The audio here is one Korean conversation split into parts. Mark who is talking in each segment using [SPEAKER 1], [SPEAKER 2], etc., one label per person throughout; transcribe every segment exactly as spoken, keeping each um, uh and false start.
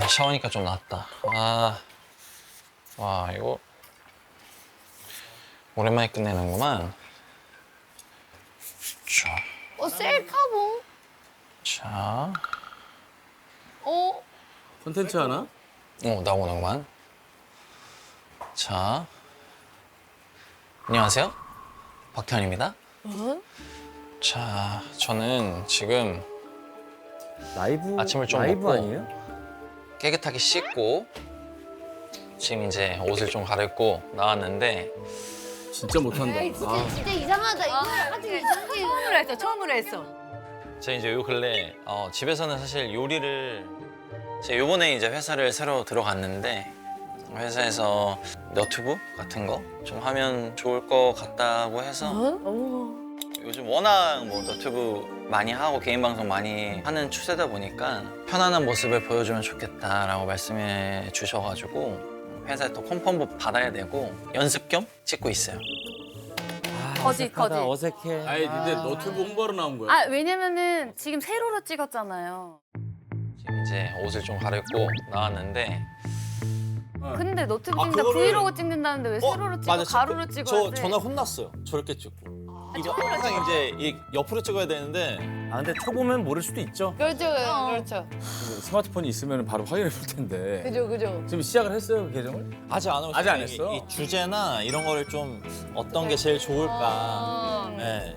[SPEAKER 1] 샤워니까 좀 낫다. 아, 와 이거 오랜만에 끝내는구만. 자,
[SPEAKER 2] 어, 셀카봉?
[SPEAKER 1] 자,
[SPEAKER 2] 어?
[SPEAKER 3] 콘텐츠 하나?
[SPEAKER 1] 어 나오는구만. 자, 안녕하세요, 박태환입니다.
[SPEAKER 2] 어?
[SPEAKER 1] 자, 저는 지금
[SPEAKER 3] 라이브
[SPEAKER 1] 아침을 좀
[SPEAKER 3] 라이브
[SPEAKER 1] 먹고
[SPEAKER 3] 아니에요?
[SPEAKER 1] 깨끗하게 씻고 지금 이제 옷을 좀 갈아입고 나왔는데
[SPEAKER 3] 진짜 못한다.
[SPEAKER 2] 에이, 진짜,
[SPEAKER 3] 아,
[SPEAKER 2] 진짜 이상하다. 이거 아주 이상해.
[SPEAKER 4] 처음으로 했어, 처음으로 했어.
[SPEAKER 1] 제가 이제 요 근래 어, 집에서는 사실 요리를 제가 요번에 이제 회사를 새로 들어갔는데 회사에서 너튜브 같은 거 좀 하면 좋을 것 같다고 해서 요즘 워낙 뭐 너튜브 많이 하고 개인 방송 많이 하는 추세다 보니까 편안한 모습을 보여주면 좋겠다라고 말씀해 주셔가지고 회사에 또 컨펌도 받아야 되고 연습 겸 찍고 있어요.
[SPEAKER 4] 거짓, 거짓.
[SPEAKER 3] 어색해. 아니 근데 너튜브 홍보로 나온 거야.
[SPEAKER 5] 아 왜냐면은 지금 세로로 찍었잖아요.
[SPEAKER 1] 지금 이제 옷을 좀 갈아입고 나왔는데
[SPEAKER 5] 근데 너튜브
[SPEAKER 6] 아,
[SPEAKER 5] 찍는다
[SPEAKER 6] 그거를-
[SPEAKER 5] 브이로그 찍는다는데 왜
[SPEAKER 6] 어,
[SPEAKER 5] 세로로 찍어
[SPEAKER 6] 맞아.
[SPEAKER 5] 가로로
[SPEAKER 6] 저,
[SPEAKER 5] 찍어야
[SPEAKER 6] 저
[SPEAKER 5] 돼?
[SPEAKER 6] 전화 혼났어요. 저렇게 찍고. 이거 항상 이제 이 옆으로 찍어야 되는데
[SPEAKER 3] 아 근데 초보면 모를 수도 있죠.
[SPEAKER 2] 그렇죠, 그렇죠.
[SPEAKER 3] 스마트폰이 있으면 바로 확인해 볼 텐데.
[SPEAKER 2] 그죠, 그죠.
[SPEAKER 3] 지금 시작을 했어요 그 계정을?
[SPEAKER 6] 아직 안 하고
[SPEAKER 3] 아직 안
[SPEAKER 6] 이-
[SPEAKER 3] 했어?
[SPEAKER 6] 이, 주제나 이런 거를 좀 어떤 게 제일 좋을까. 네.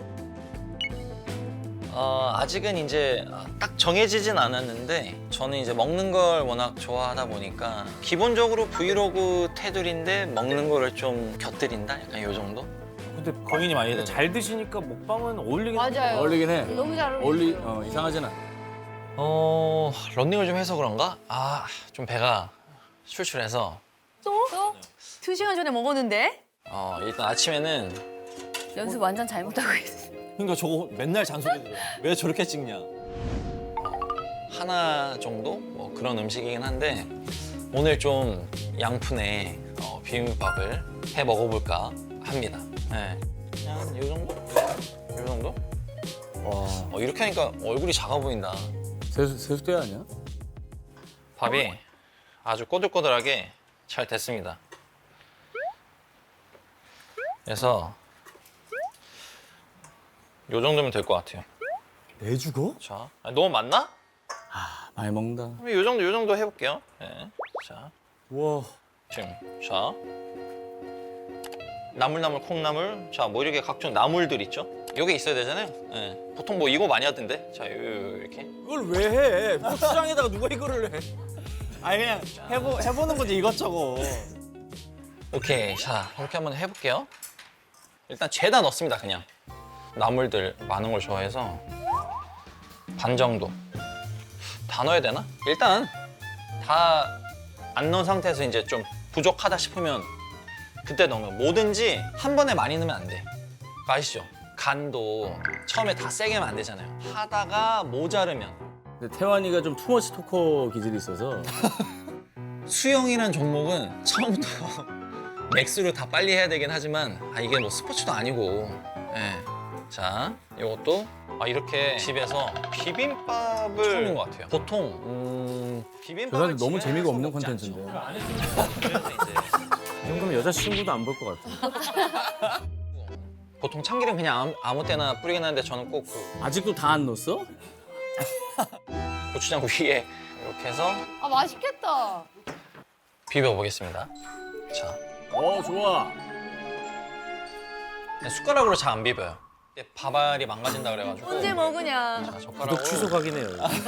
[SPEAKER 1] 어, 아직은 이제 딱 정해지진 않았는데 저는 이제 먹는 걸 워낙 좋아하다 보니까 기본적으로 브이로그 테두리인데 먹는 거를 좀 곁들인다? 약간 요 정도?
[SPEAKER 3] 근데
[SPEAKER 6] 고민이 많이 되네.
[SPEAKER 3] 잘 드시니까 먹방은 어울리긴
[SPEAKER 2] 맞아요.
[SPEAKER 3] 어울리긴 해.
[SPEAKER 2] 너무 잘
[SPEAKER 3] 어울리
[SPEAKER 2] 어울리죠.
[SPEAKER 3] 어 이상하진 않아.
[SPEAKER 1] 어, 런닝을 좀 해서 그런가? 아, 좀 배가 출출해서
[SPEAKER 4] 또? 또? 두 시간 전에 먹었는데?
[SPEAKER 1] 어, 일단 아침에는
[SPEAKER 5] 연습 완전 잘못하고 있어.
[SPEAKER 6] 그러니까 저거 맨날 잔소리 들어. 왜 저렇게 찍냐.
[SPEAKER 1] 하나 정도? 뭐 그런 음식이긴 한데 오늘 좀 양푼에 어, 비빔밥을 해 먹어볼까 합니다. 네. 그냥 요 정도? 요 정도?
[SPEAKER 3] 와
[SPEAKER 1] 어, 이렇게 하니까 얼굴이 작아 보인다.
[SPEAKER 3] 세수 세수대 아니야?
[SPEAKER 1] 밥이 아주 꼬들꼬들하게 잘 됐습니다. 그래서 요 정도면 될 것 같아요.
[SPEAKER 3] 내 죽어?
[SPEAKER 1] 자, 아, 너무 많나?
[SPEAKER 3] 아 많이 먹는다.
[SPEAKER 1] 그럼 요 정도, 요 정도 해볼게요. 네. 자,
[SPEAKER 3] 와
[SPEAKER 1] 지금 자 나물나물 콩나물, 자 뭐 이렇게 각종 나물들 있죠? 요게 있어야 되잖아요. 네. 보통 뭐 이거 많이 하던데. 자, 요, 요 이렇게.
[SPEAKER 6] 이걸 왜 해? 고추장에다가 누가 이거를 해? 아니 그냥 해보, 해보는 거지 이것저것.
[SPEAKER 1] 오케이, 자 이렇게 한번 해볼게요. 일단 죄다 넣습니다, 그냥. 나물들 많은 걸 좋아해서 반 정도. 다 넣어야 되나? 일단 다 안 넣은 상태에서 이제 좀 부족하다 싶으면 그때 넣으면 뭐든지 한 번에 많이 넣으면 안 돼. 아시죠? 간도 처음에 다 세게 하면 안 되잖아요. 하다가 모자르면.
[SPEAKER 3] 근데 태환이가 좀 투머치 토커 기질이 있어서
[SPEAKER 1] 수영이란 종목은 처음부터 맥스로 다 빨리 해야 되긴 하지만 아, 이게 뭐 스포츠도 아니고. 예. 자, 이것도 아, 이렇게 집에서 비빔밥을 처음인 것 같아요. 보통 음,
[SPEAKER 3] 저
[SPEAKER 1] 비빔밥을
[SPEAKER 3] 사람 너무
[SPEAKER 1] 집에서
[SPEAKER 3] 재미가 없는
[SPEAKER 1] 먹지
[SPEAKER 3] 콘텐츠인데.
[SPEAKER 1] 않죠. 그래서 이제
[SPEAKER 3] 이 정도면 여자친구도 안 볼 것 같아.
[SPEAKER 1] 보통 참기름 그냥 아무, 아무 때나 뿌리긴 하는데 저는 꼭 그
[SPEAKER 3] 아직도 다 안 넣었어?
[SPEAKER 1] 고추장 위에 이렇게 해서
[SPEAKER 2] 아, 맛있겠다.
[SPEAKER 1] 비벼보겠습니다. 자,
[SPEAKER 3] 어 좋아.
[SPEAKER 1] 숟가락으로 잘 안 비벼요. 이게 밥알이 망가진다 그래가지고.
[SPEAKER 4] 언제 먹으냐?
[SPEAKER 1] 자, 젓가락으로.
[SPEAKER 3] 구독 취소 각이네요.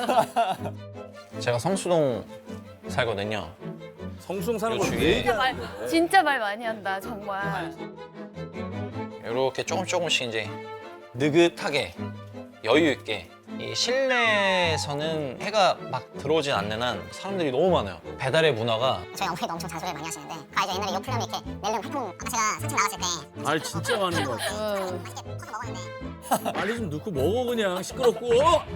[SPEAKER 1] 제가 성수동 살거든요.
[SPEAKER 3] 성수동 사는
[SPEAKER 1] 요
[SPEAKER 3] 거
[SPEAKER 1] 주위에
[SPEAKER 3] 왜 얘기하는
[SPEAKER 5] 말,
[SPEAKER 3] 거야?
[SPEAKER 5] 진짜 말 많이 한다 정말.
[SPEAKER 1] 이렇게 조금 조금씩 이제 느긋하게 여유 있게 이 실내에서는 해가 막 들어오진 않는 한 사람들이 너무 많아요. 배달의 문화가
[SPEAKER 7] 저희 어머니도 엄청 잔소리를 많이 하시는데 그 알죠? 옛날에 요플레미 이렇게 낼름 활동 아까 제가 산책 나갔을 때
[SPEAKER 3] 말 진짜 많은 것 같아.
[SPEAKER 2] 어.
[SPEAKER 7] 맛있게 퍼서 먹었는데
[SPEAKER 3] 빨리 좀 넣고 먹어 그냥 시끄럽고.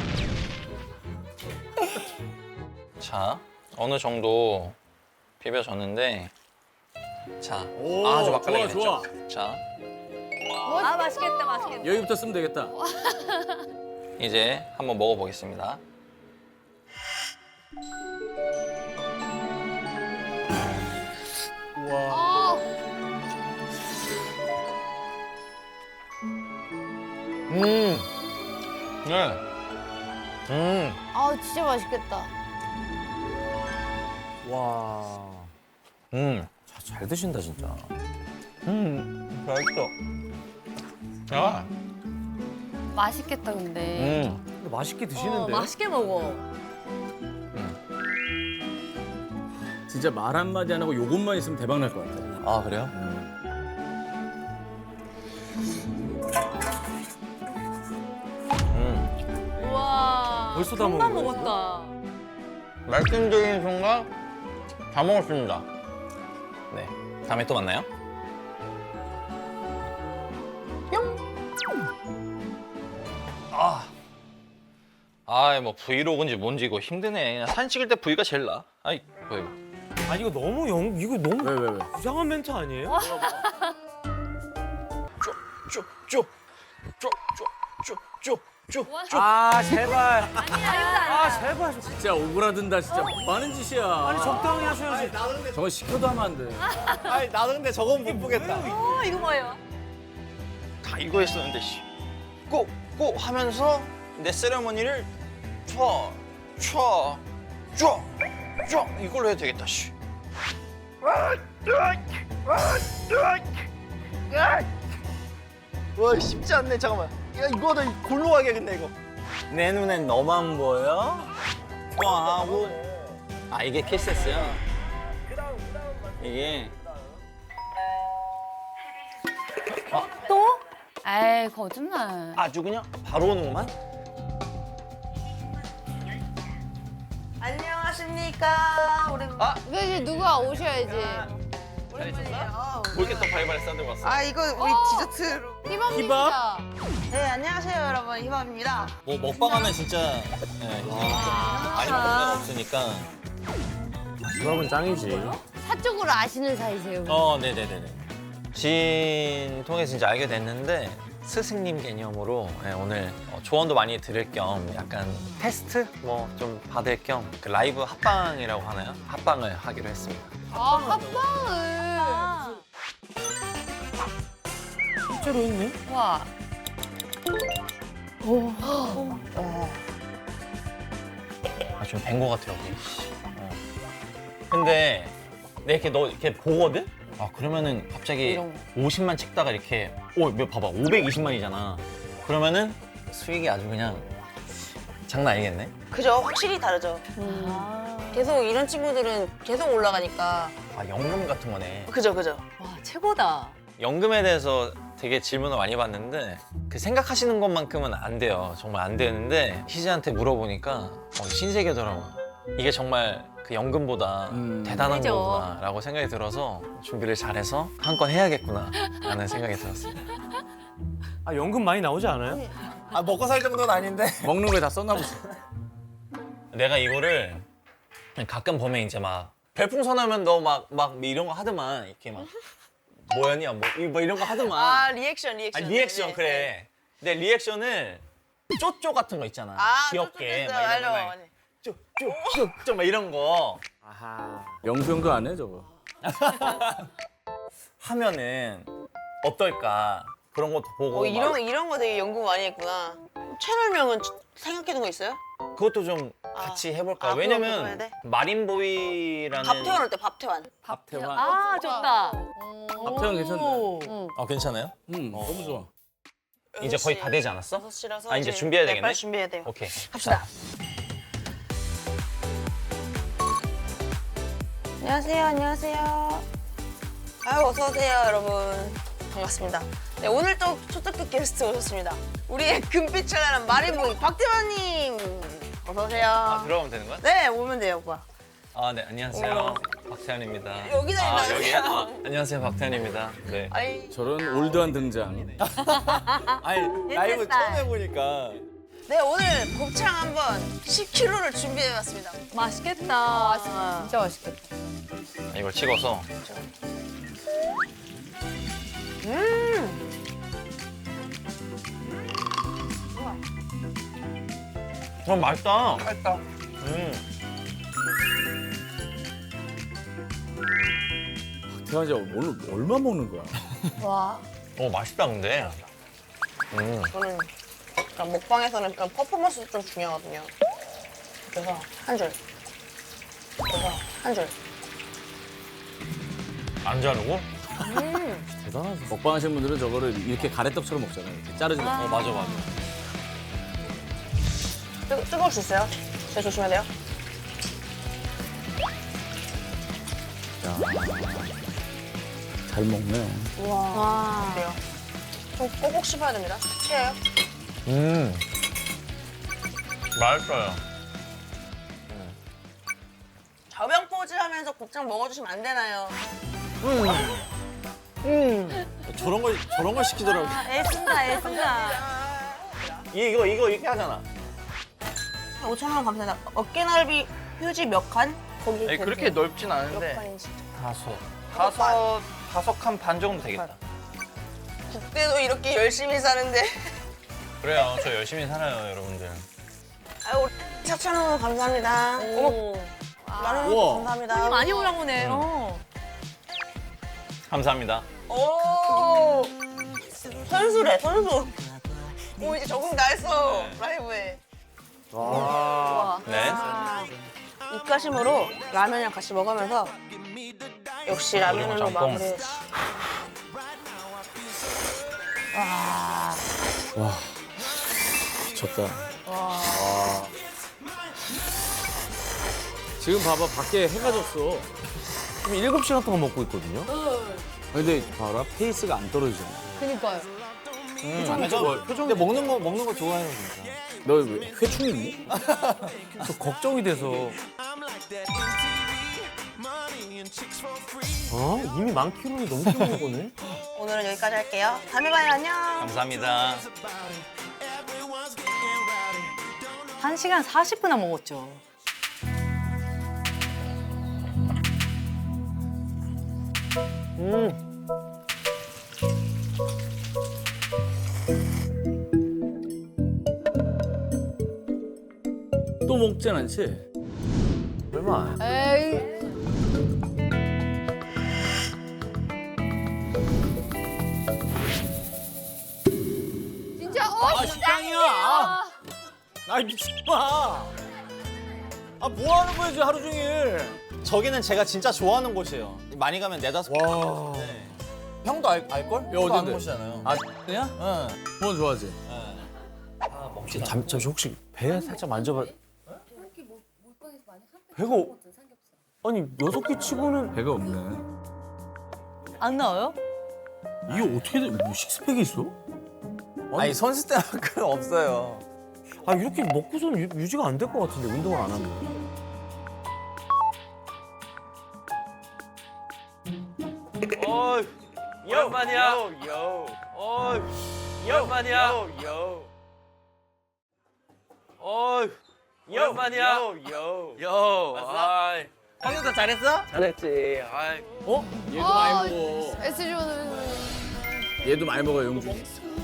[SPEAKER 1] 자 어느 정도 비벼졌는데 자
[SPEAKER 3] 오,
[SPEAKER 1] 아주 맛깔나게
[SPEAKER 3] 좋아,
[SPEAKER 1] 됐죠. 자
[SPEAKER 4] 아, 맛있겠다, 맛있겠다.
[SPEAKER 3] 여기부터 쓰면 되겠다.
[SPEAKER 1] 이제 한번 먹어보겠습니다. 네. 음.
[SPEAKER 2] 아 진짜 맛있겠다.
[SPEAKER 3] 와.
[SPEAKER 1] 음.
[SPEAKER 3] 자, 잘 드신다 진짜.
[SPEAKER 1] 음. 맛있어. 아.
[SPEAKER 5] 맛있겠다 근데.
[SPEAKER 1] 음.
[SPEAKER 3] 근데 맛있게
[SPEAKER 4] 어,
[SPEAKER 3] 드시는데.
[SPEAKER 4] 맛있게 먹어.
[SPEAKER 6] 진짜 말 한마디 안 하고 요것만 있으면 대박 날 것 같아.
[SPEAKER 1] 아 그래요? 음.
[SPEAKER 4] 우와.
[SPEAKER 3] 벌써 다
[SPEAKER 4] 금방
[SPEAKER 3] 먹은 거야,
[SPEAKER 4] 먹었다.
[SPEAKER 1] 말씀드린 순간 다 먹었습니다. 네. 다음에 또 만나요. 아. 아, 뭐 브이로그인지 뭔지 이거 힘드네. 그냥 사진 찍을 때 브이가 제일 나. 아이, 뭐 이거.
[SPEAKER 3] 아니 이거 너무 영 이거 너무
[SPEAKER 6] 왜, 왜, 왜?
[SPEAKER 3] 이상한 멘트 아니에요?
[SPEAKER 1] 쪼쪼쪼쪼쪼쪼쪼쪼.
[SPEAKER 3] 아 제발.
[SPEAKER 4] 아니야.
[SPEAKER 3] 아 제발.
[SPEAKER 6] 진짜 오그라든다, 진짜. 뭐 하는 짓이야.
[SPEAKER 3] 아니 적당히 하셔야지.
[SPEAKER 6] 저거 시켜도 하면 안 돼.
[SPEAKER 1] 아니 나도 근데 저건 못 보겠다.
[SPEAKER 4] 어, 이거 뭐예요?
[SPEAKER 1] 다 이거 했었는데 씨. 꼭꼭 하면서 내 세레머니를 쫙쫙쫙쫙 이걸로 해도 되겠다 씨. 와 쉽지 않네. 잠깐만. 야 이거는 골로 가야겠네 이거. 내 눈엔 너만 보여? 또 하고. 아 이게 키스였어요. 이게
[SPEAKER 5] 에이 거짓말.
[SPEAKER 1] 아주 그냥 바로 오는구만.
[SPEAKER 4] 안녕하십니까. 우리
[SPEAKER 1] 아
[SPEAKER 2] 이거 이제 누가 오셔야지.
[SPEAKER 1] 잘 있었어? 뭐 이렇게 또 바리바리 싸들고 왔어?
[SPEAKER 8] 아 이거 우리 디저트로.
[SPEAKER 2] 희범입니다.
[SPEAKER 8] 네 안녕하세요 여러분 희밥입니다.
[SPEAKER 1] 뭐 먹방하면 진짜 네, 이제 많이 먹을 데가 없으니까.
[SPEAKER 3] 이밥은 짱이지.
[SPEAKER 2] 사적으로 아시는 사이세요?
[SPEAKER 1] 어, 네네네네. 지인 통해서 진짜 알게 됐는데 스승님 개념으로 네, 오늘 어, 조언도 많이 들을 겸 약간 테스트 뭐 좀 받을 겸 그 라이브 합방이라고 하나요? 합방을 하기로 했습니다.
[SPEAKER 2] 아 합방을.
[SPEAKER 3] 실제로 있네.
[SPEAKER 5] 와.
[SPEAKER 1] 아, 좀 뵌 거 같아 여기. 어. 근데 내가 이렇게 너 이렇게 보거든? 아 그러면은 갑자기
[SPEAKER 5] 이런
[SPEAKER 1] 오십만 찍다가 이렇게 오, 몇 봐봐 오백이십만이잖아. 그러면은 수익이 아주 그냥 장난 아니겠네?
[SPEAKER 8] 그죠 확실히 다르죠. 계속 이런 친구들은 계속 올라가니까.
[SPEAKER 1] 아 연금 같은 거네.
[SPEAKER 8] 그죠 그죠.
[SPEAKER 4] 와, 최고다.
[SPEAKER 1] 연금에 대해서 되게 질문을 많이 받는데 그 생각하시는 것만큼은 안 돼요. 정말 안 되는데 희재한테 물어보니까 어, 신세계더라고. 이게 정말 그 연금보다
[SPEAKER 6] 음.
[SPEAKER 1] 대단한
[SPEAKER 4] 그죠.
[SPEAKER 1] 거구나라고 생각이 들어서 준비를 잘해서 한 건 해야겠구나라는 생각이 들었습니다.
[SPEAKER 3] 아 연금 많이 나오지 않아요?
[SPEAKER 1] 아 먹고 살 정도는 아닌데.
[SPEAKER 6] 먹는 거에 다 썼나 보지.
[SPEAKER 1] 내가 이거를 가끔 보면 이제 막 별풍선하면 너 막 막 이런 거 하더만 이렇게 막 뭐였냐 뭐, 이- 뭐 이런 거 하더만.
[SPEAKER 8] 아 리액션 리액션.
[SPEAKER 1] 아, 리액션
[SPEAKER 8] 네, 네,
[SPEAKER 1] 그래.
[SPEAKER 8] 네.
[SPEAKER 1] 내 리액션을 쪼쪼 같은 거 있잖아.
[SPEAKER 8] 아
[SPEAKER 1] 귀엽게
[SPEAKER 8] 쪼쪼쪼,
[SPEAKER 1] 막 이런 거
[SPEAKER 8] 알죠.
[SPEAKER 1] 막 쪼쪼쪼쪼 막 이런 거
[SPEAKER 3] 아하.
[SPEAKER 6] 영수형도 안 해, 저거.
[SPEAKER 1] 하면은 어떨까 그런 것도 보고
[SPEAKER 8] 어, 이런
[SPEAKER 1] 막
[SPEAKER 8] 이런 거 되게 연구 많이 했구나. 채널명은 생각해둔 거 있어요?
[SPEAKER 1] 그것도 좀 같이 해볼까.
[SPEAKER 8] 아,
[SPEAKER 1] 요
[SPEAKER 8] 그거 해야
[SPEAKER 1] 왜냐면
[SPEAKER 8] 돼?
[SPEAKER 1] 마린보이라는
[SPEAKER 8] 밥태원 어때 밥태원?
[SPEAKER 6] 밥태환.
[SPEAKER 4] 아, 좋다.
[SPEAKER 6] 밥태환 괜찮네.
[SPEAKER 4] 오.
[SPEAKER 1] 아 괜찮아요?
[SPEAKER 6] 응, 너무 좋아.
[SPEAKER 1] 이제 거의 다 되지 않았어?
[SPEAKER 8] 여섯 시라서
[SPEAKER 1] 아, 이제 준비해야
[SPEAKER 8] 네,
[SPEAKER 1] 되겠네?
[SPEAKER 8] 빨리 준비해야 돼요.
[SPEAKER 1] 오케이.
[SPEAKER 8] 갑시다. 안녕하세요, 안녕하세요. 아유, 어서 오세요, 여러분. 반갑습니다. 네, 오늘 또 초특급 게스트 오셨습니다. 우리의 금빛을 나는 마리보이 박태환님. 어서 오세요.
[SPEAKER 1] 아 들어가면 되는 거야?
[SPEAKER 8] 네, 오면 돼요, 오빠.
[SPEAKER 1] 아 네 안녕하세요 박태환입니다.
[SPEAKER 8] 여기다
[SPEAKER 1] 아
[SPEAKER 8] 있나요?
[SPEAKER 1] 여기요? 아, 안녕하세요 박태환입니다. 네.
[SPEAKER 8] 아이,
[SPEAKER 6] 저런 올드한 등장.
[SPEAKER 1] 아니
[SPEAKER 4] 라이브 처음
[SPEAKER 1] 해보니까
[SPEAKER 8] 네, 오늘 곱창 한번 십 킬로그램를 준비해봤습니다.
[SPEAKER 4] 맛있겠다.
[SPEAKER 2] 아, 진짜 맛있겠다.
[SPEAKER 1] 이걸 찍어서 어 맛있다. 맛있다. 음.
[SPEAKER 6] 박태환 씨 오늘 얼마 먹는 거야?
[SPEAKER 2] 와.
[SPEAKER 1] 어 맛있다 근데. 음.
[SPEAKER 8] 저는 그러니까 먹방에서는 그런 퍼포먼스도 좀 중요하거든요. 그래서 한 줄. 그래서 한 줄.
[SPEAKER 1] 안 자르고?
[SPEAKER 3] 대단하지. 먹방 하시는 분들은 저거를 이렇게 가래떡처럼 먹잖아요. 이렇게 자르지 마.
[SPEAKER 1] 어 맞아 맞아.
[SPEAKER 8] 뜨, 뜨거울 수 있어요. 진짜 조심해야 돼요.
[SPEAKER 3] 잘 먹네.
[SPEAKER 8] 그래요. 좀 꼭꼭 씹어야 됩니다. 치예요.
[SPEAKER 1] 음. 맛있어요.
[SPEAKER 8] 저병 포즈 하면서 곱창 먹어주시면 안 되나요?
[SPEAKER 6] 저런 걸 저런 걸 시키더라고.
[SPEAKER 4] 애쓴다 애쓴다.
[SPEAKER 6] 이거 이거 이렇게 하잖아.
[SPEAKER 8] 오천 원 감사합니다. 어깨 넓이 휴지 몇 칸? 거기
[SPEAKER 1] 아니, 그렇게 넓진 않은데
[SPEAKER 8] 몇 칸인지.
[SPEAKER 1] 다섯 다섯 다섯 칸 반 정도 되겠다.
[SPEAKER 8] 국대도 이렇게 열심히 사는데.
[SPEAKER 1] 그래요. 저 열심히 살아요, 여러분들.
[SPEAKER 8] 아유, 사천 원 감사합니다. 어머, 만원
[SPEAKER 6] 우와.
[SPEAKER 8] 감사합니다.
[SPEAKER 4] 많이 올라오네. 어.
[SPEAKER 1] 감사합니다.
[SPEAKER 8] 오, 선수래, 선수. 오, 이제 적응 다 했어, 라이브에.
[SPEAKER 1] 네.
[SPEAKER 8] 입가심으로 라면이랑 같이 먹으면서 역시 라면으로
[SPEAKER 1] 짬뽕.
[SPEAKER 8] 마무리.
[SPEAKER 3] 미쳤다. 와. 지금 봐봐, 밖에 해가 졌어. 지금 일곱 시간 동안 먹고 있거든요. 근데 봐라, 페이스가 안 떨어지잖아.
[SPEAKER 2] 그니까요.
[SPEAKER 6] 음, 저, 근데 먹는 거 먹는 거 좋아해요 진짜.
[SPEAKER 3] 너 왜 회충 있니? 저 걱정이 돼서. 어? 이미 만 킬로를 넘게 먹은 거네?
[SPEAKER 8] 오늘은 여기까지 할게요. 다음에 봐요, 안녕.
[SPEAKER 1] 감사합니다.
[SPEAKER 4] 한 시간 사십 분나 먹었죠.
[SPEAKER 3] 또 먹진 않지? 얼마?
[SPEAKER 2] 에이. 진짜 어
[SPEAKER 6] 아 식당이야. 아, 아 미친마. 아뭐 하는 거야 지금 하루 종일. 저기는 제가 진짜 좋아하는 곳이에요. 많이 가면 네다섯 개
[SPEAKER 3] 와.
[SPEAKER 6] 가는데. 형도 알, 알걸? 형도
[SPEAKER 3] 어딘데?
[SPEAKER 6] 아는 곳이잖아요.
[SPEAKER 3] 아, 그냥?
[SPEAKER 6] 응.
[SPEAKER 3] 뭐 좋아하지?
[SPEAKER 6] 아, 먹지.
[SPEAKER 3] 잠, 잠시 혹시 배 살짝 만져봐. 배가 없- 아니 여섯 개 치고는 배가 없네.
[SPEAKER 4] 안 나와요?
[SPEAKER 3] 이게 어떻게 돼? 뭐 식스팩이 있어?
[SPEAKER 6] 아니 선수 때만큼 없어요.
[SPEAKER 3] 아 이렇게 먹고서는 유, 유지가 안 될 것 같은데 운동을 안 하면.
[SPEAKER 1] 어이, 오랜만이야. 어이, 오랜만이야. 어이, 오랜만이야. 요, 아이.
[SPEAKER 6] 형님도 잘했어?
[SPEAKER 1] 잘했지. 아이.
[SPEAKER 3] 어? 얘도
[SPEAKER 2] 아,
[SPEAKER 3] 많이 먹어.
[SPEAKER 2] 에스존은
[SPEAKER 3] 얘도 많이 먹어 용준.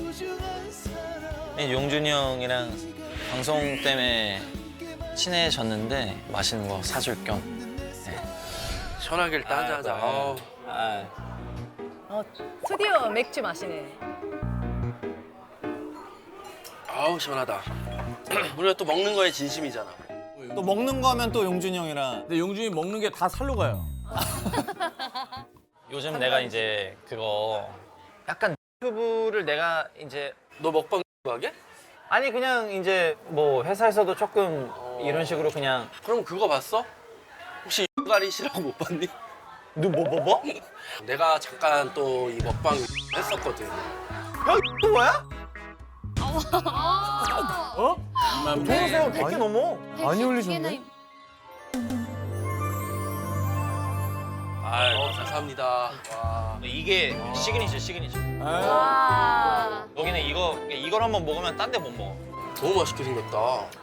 [SPEAKER 1] 용준이 형이랑 방송 때문에 친해졌는데 맛있는 거 사줄 겸. 네.
[SPEAKER 9] 시원하길 따자하자.
[SPEAKER 1] 아,
[SPEAKER 9] 아우.
[SPEAKER 1] 아,
[SPEAKER 4] 어, 드디어 맥주 마시네.
[SPEAKER 9] 아우 시원하다. 우리가 또 먹는 거에 진심이잖아.
[SPEAKER 6] 또 먹는 거 하면 또 용준이 형이랑.
[SPEAKER 3] 근데 용준이 먹는 게 다 살로 가요.
[SPEAKER 1] 요즘 내가 이제 그거 약간 유튜브를 내가 이제
[SPEAKER 9] 너 먹방 하게?
[SPEAKER 1] 아니 그냥 이제 뭐 회사에서도 조금 이런 식으로 그냥
[SPEAKER 9] 그럼 그거 봤어? 혹시 가리시라고 못 봤니?
[SPEAKER 1] 너 뭐 뭐 뭐?
[SPEAKER 9] 내가 잠깐 또 이 먹방 했었거든.
[SPEAKER 6] 또 뭐야?
[SPEAKER 3] 어?
[SPEAKER 6] 동영상 백 개 넘어.
[SPEAKER 3] 많이 올리셨네.
[SPEAKER 1] 아,
[SPEAKER 9] 어, 감사합니다. 와.
[SPEAKER 1] 이게 시그니처 시그니처.
[SPEAKER 2] 와.
[SPEAKER 1] 여기는 이거 이걸 한번 먹으면 딴 데 못 먹어.
[SPEAKER 9] 너무 맛있게 생겼다.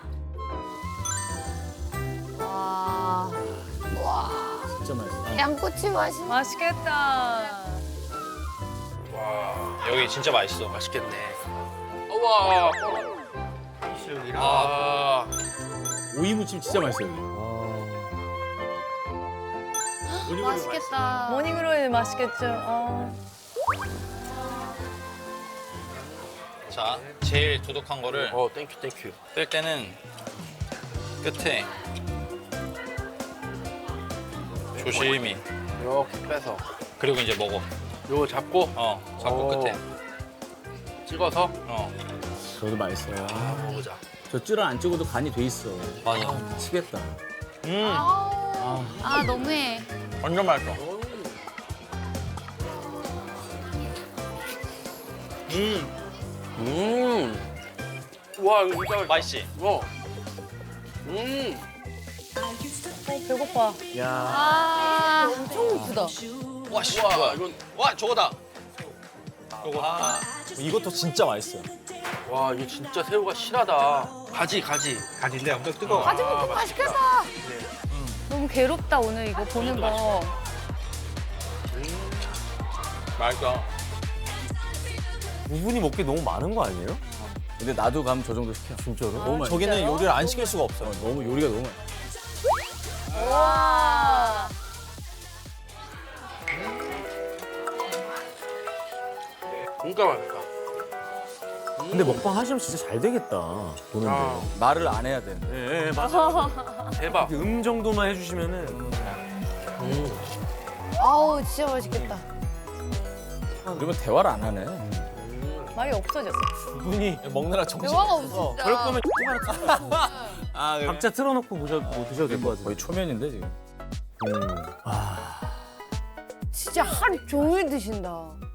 [SPEAKER 2] 와.
[SPEAKER 3] 진짜 맛있어.
[SPEAKER 2] 양꼬치 맛있네.
[SPEAKER 4] 맛있겠다.
[SPEAKER 9] 와.
[SPEAKER 1] 여기 진짜 맛있어.
[SPEAKER 9] 맛있겠네. 우와. 아.
[SPEAKER 3] 오이 무침 진짜 맛있어요. 여기.
[SPEAKER 2] 맛있겠다.
[SPEAKER 4] 모닝으로 맛있겠죠. 어.
[SPEAKER 1] 자, 제일 도둑한 거를
[SPEAKER 9] 어, 땡큐, 땡큐.
[SPEAKER 1] 뺄 때는 끝에 조심히.
[SPEAKER 9] 이렇게 빼서.
[SPEAKER 1] 그리고 이제 먹어.
[SPEAKER 9] 요거 잡고,
[SPEAKER 1] 어, 잡고
[SPEAKER 9] 오.
[SPEAKER 1] 끝에.
[SPEAKER 9] 찍어서,
[SPEAKER 1] 어,
[SPEAKER 3] 저도 맛있어요.
[SPEAKER 9] 아, 먹어보자.
[SPEAKER 3] 저 찌를 안 찍어도 간이 돼 있어.
[SPEAKER 1] 맞아.
[SPEAKER 3] 미치겠다.
[SPEAKER 1] 음,
[SPEAKER 5] 아 너무해.
[SPEAKER 1] 완전 맛있어. 음,
[SPEAKER 9] 음. 와, 이거 진짜 맛있다.
[SPEAKER 1] 맛있지?
[SPEAKER 9] 어. 음.
[SPEAKER 4] 배고파.
[SPEAKER 3] 야.
[SPEAKER 2] 아.
[SPEAKER 4] 엄청 고프다.
[SPEAKER 1] 와, 씨,
[SPEAKER 9] 와,
[SPEAKER 1] 뭐야?
[SPEAKER 9] 이건,
[SPEAKER 1] 와, 저거다. 요거. 아,
[SPEAKER 6] 이것도 진짜 맛있어요.
[SPEAKER 9] 와, 이게 진짜 새우가 실하다. 가지, 가지.
[SPEAKER 6] 가지인데 엄청 뜨거워.
[SPEAKER 2] 가지 먹고 맛있겠다.
[SPEAKER 5] 너무 괴롭다 오늘 이거 보는 거.
[SPEAKER 1] 맛있어.
[SPEAKER 3] 두 분이 먹기 너무 많은 거 아니에요? 근데 나도 가면 저 정도 시켜. 진짜로? 너무 맛있어.
[SPEAKER 6] 저기는 요리를 안 시킬 수가 없어요.
[SPEAKER 3] 너무 요리가 너무 맛있어.
[SPEAKER 2] 와.
[SPEAKER 9] 진짜 맛있다.
[SPEAKER 3] 근데 먹방 하시면 진짜 잘 되겠다. 보는데.
[SPEAKER 9] 아.
[SPEAKER 3] 말을 안 해야 되는데. 예, 예, 맞아.
[SPEAKER 9] 대박.
[SPEAKER 3] 음 정도만 해주시면은.
[SPEAKER 9] 음.
[SPEAKER 2] 아우 진짜 맛있겠다.
[SPEAKER 3] 그러면 대화를 안 하네.
[SPEAKER 4] 말이 없어졌어.
[SPEAKER 3] 두 분이
[SPEAKER 6] 먹느라 정신
[SPEAKER 2] 대화가
[SPEAKER 6] 없어서.
[SPEAKER 2] 없어.
[SPEAKER 3] 그럴 거면 조금만
[SPEAKER 6] 아, 그래?
[SPEAKER 3] 각자 틀어놓고 보셔, 뭐 드셔도 될 것 같아요. 거의 초면인데 지금. 음.
[SPEAKER 2] 진짜 하루 종일 드신다.